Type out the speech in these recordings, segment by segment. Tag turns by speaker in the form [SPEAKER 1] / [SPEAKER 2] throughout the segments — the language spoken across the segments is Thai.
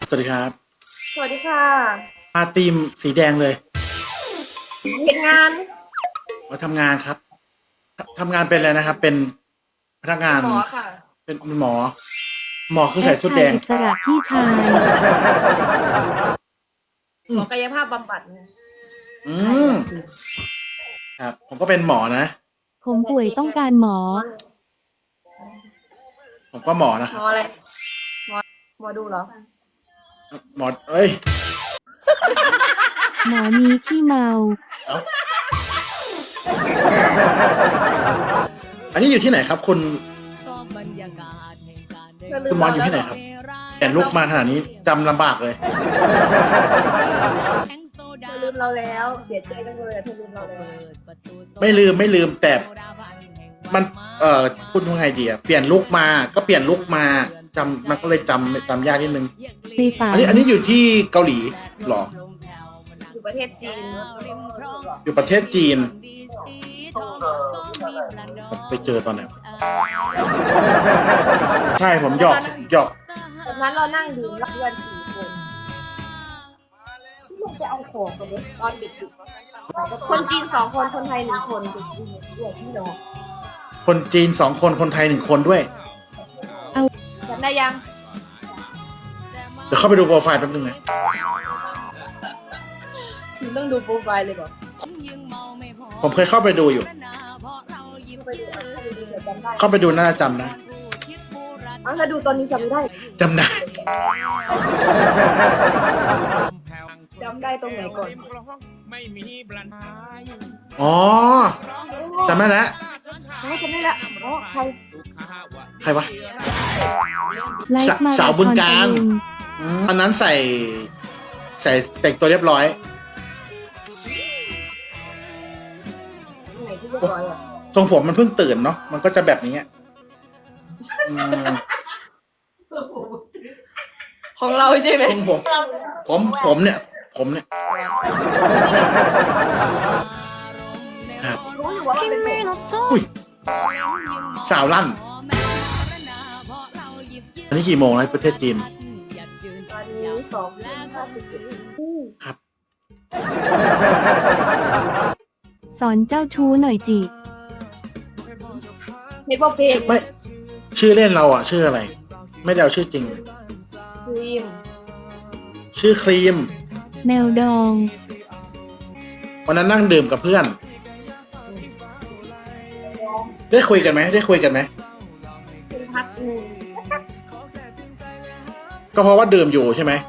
[SPEAKER 1] สวัสดีครับ
[SPEAKER 2] สวัสดีค่ะ
[SPEAKER 1] มาทีมสีแดงเลย
[SPEAKER 2] เห็นงาน
[SPEAKER 1] มาทำงานครับทำงานเป็นอะไรนะครับ เป็นพนักงาน
[SPEAKER 2] หมอค่ะ
[SPEAKER 1] เป็นหมอ หมอคือ
[SPEAKER 3] แอ
[SPEAKER 1] ใส่
[SPEAKER 3] ดชาย
[SPEAKER 1] ชุดแดง
[SPEAKER 3] อิสระพี่ชาย
[SPEAKER 2] หมอกายภาพบำบัดเนี่ย
[SPEAKER 1] อืมครับ ผมก็เป็นหมอนะ
[SPEAKER 3] ผมป่วยต้องการหมอ
[SPEAKER 1] ผมก็หมอนะค
[SPEAKER 2] หม
[SPEAKER 1] รับ
[SPEAKER 2] ออะไรหมอดูเหรอ
[SPEAKER 1] หมอเอ้ย
[SPEAKER 3] หมอนี้ขี้เมา
[SPEAKER 1] เอ้าอันนี้อยู่ที่ไหนครับ คุณคุณหมออยู่ที่ไหนครับเห็นลูกมาขนาดนี้จำลำบากเลย
[SPEAKER 2] เธอลืมเราแล้วเสียใจจังเลยเธอลืมเราแล้ว
[SPEAKER 1] ไม่ลืมแต่มันพูดว่าไงดีอะเปลี่ยนลุกมาก็เปลี่ยนลุกมามันก็เลยจำยากนิดนึง
[SPEAKER 3] ในฝัน
[SPEAKER 1] อันนี้อยู่ที่เกาหลีหรอ
[SPEAKER 2] อยู่ประเทศจีน
[SPEAKER 1] อยู่ประเทศจีนผมไปเจอตอนไหนใช่ผมหยอก
[SPEAKER 2] ตอนนั้นเรานั่งดื่มรับเพื่อน4 คนที่ลงไปเอาของกันเลยตอนเด็กๆคนจีน2 คนคนไทย1 คนเด็กพี่น้อง
[SPEAKER 1] คนจีน2 คนคนไทย1 คนด้วย
[SPEAKER 2] จำได้ยัง
[SPEAKER 1] เดี๋ยวเข้าไปดูโปรไฟล์แป๊บนึงนะ
[SPEAKER 2] ถึงต้องดูโปรไฟล์เลยบอก
[SPEAKER 1] ผมเคยเข้าไปดูอยู่ เข้าไปดูน่าจะจำนะ
[SPEAKER 2] ถ้าดูตอนนี้จำไม่ได้
[SPEAKER 1] จำได้
[SPEAKER 2] จำได้ตรงไหนก่อน
[SPEAKER 1] อ๋อจำได้แล้ว
[SPEAKER 2] จำได้ละใคร
[SPEAKER 1] ใครวะ
[SPEAKER 3] ไลฟ์มา
[SPEAKER 1] สาวบึงกาฬ
[SPEAKER 3] ร
[SPEAKER 1] ตอนนั้นใส่แต่งตัวเรียบร้อย
[SPEAKER 2] ไหนที่เรียบร้อยอ่ะ
[SPEAKER 1] ทรงผมมันเพิ่งตื่นเนาะมันก็จะแบบนี้อืม
[SPEAKER 2] ของเราใช่ไหม
[SPEAKER 1] ทรงผมเนี่ยครับ
[SPEAKER 2] รู้อยู่ว่ามันเป็นผม
[SPEAKER 1] อุ้ยสาวลั่นอันนี้กี่โมงแล้วประเทศจีน
[SPEAKER 2] ตอนนี้2:51
[SPEAKER 1] ครับ
[SPEAKER 3] สอนเจ้าชู้หน่อยจิ
[SPEAKER 2] เฮดบอลเพลง
[SPEAKER 1] ไม่ชื่อเล่นเราอ่ะ ชื่ออะไร ไม่ได้เอาชื่อจริง
[SPEAKER 2] ครีม
[SPEAKER 1] ชื่อครีม
[SPEAKER 3] แมวดอง
[SPEAKER 1] วันนั้นนั่งดื่มกับเพื่อน ได้คุยกันไหม
[SPEAKER 2] เป็นพักหนึ่ง
[SPEAKER 1] ก็เพราะว่าดื่มอยู่ใช่ไหม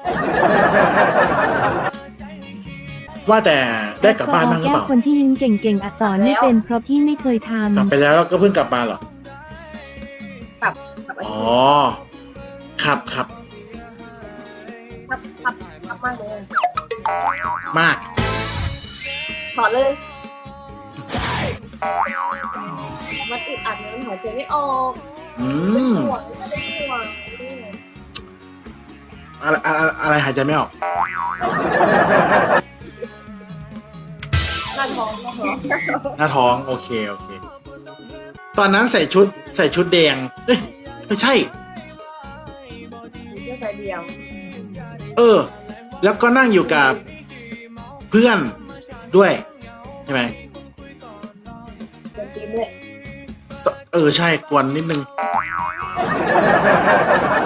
[SPEAKER 1] ว่าแต่ได้กลับบ้านบ้างหรือ
[SPEAKER 3] แก้
[SPEAKER 1] เป
[SPEAKER 3] ว
[SPEAKER 1] ล่า
[SPEAKER 3] คนที่ยิ้มเก่งๆอักษรไม่เป็นเพราะพี่ไม่เคยท
[SPEAKER 1] กลับไปแล้วก็เพิ่งกลับมาเหรอ
[SPEAKER 2] กลับอัน
[SPEAKER 1] อ๋อ
[SPEAKER 2] นี้
[SPEAKER 1] ครับ
[SPEAKER 2] ครับมากเลย
[SPEAKER 1] มาก
[SPEAKER 2] ถอดเลยมันติดอัดมันหายใจไม่ออก
[SPEAKER 1] อืม
[SPEAKER 2] ห่วงไม่ได้ห่วง
[SPEAKER 1] อะไรหายใจไม่ออก
[SPEAKER 2] หน้าท้อง
[SPEAKER 1] หน้าท้อง โอเค ตอนนั้นใส่ชุดแดง เอ้ย ไม่ใช่
[SPEAKER 2] มีเสื้อสายเดียว
[SPEAKER 1] แล้วก็นั่งอยู่กับเพื่อนด้วย ใช่ไหม
[SPEAKER 2] เป็นตีนด้วย
[SPEAKER 1] ใช่กวนนิดนึง